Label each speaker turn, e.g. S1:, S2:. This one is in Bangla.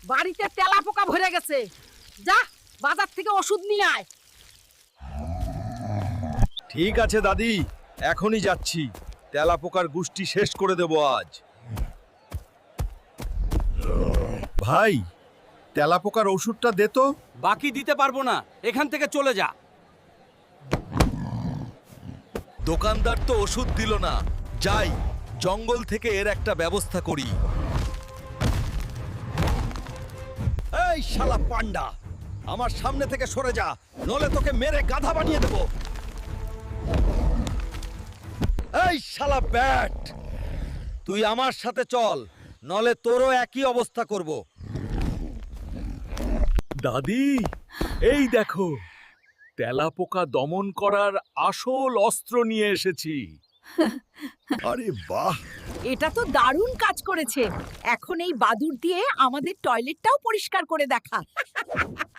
S1: বাড়িতে তেলাপোকা ভরে গেছে। যা বাজার থেকে ওষুধ নিয়ে আয়।
S2: ঠিক আছে দাদি, এখনই যাচ্ছি। তেলাপোকার গুষ্টি শেষ করে দেব আজ। ভাই, তেলাপোকার ওষুধটা দে তো।
S3: বাকি দিতে পারবো না, এখান থেকে চলে যা।
S2: দোকানদার তো ওষুধ দিল না, যাই জঙ্গল থেকে এর একটা ব্যবস্থা করি। এই শালা পান্ডা, আমার সামনে থেকে সরে যা, নলে তোকে মেরে গাধা বানিয়ে দেব। এই শালা ব্যাট, তুই আমার সাথে চল, নলে তোরও একই অবস্থা করব।
S4: দাদি, এই দেখো, তেলাপোকা দমন করার আসল অস্ত্র নিয়ে এসেছি।
S2: আরে বাহ,
S1: এটা তো দারুণ কাজ করেছে। এখন এই বাদুড় দিয়ে আমাদের টয়লেটটাও পরিষ্কার করে দেখা।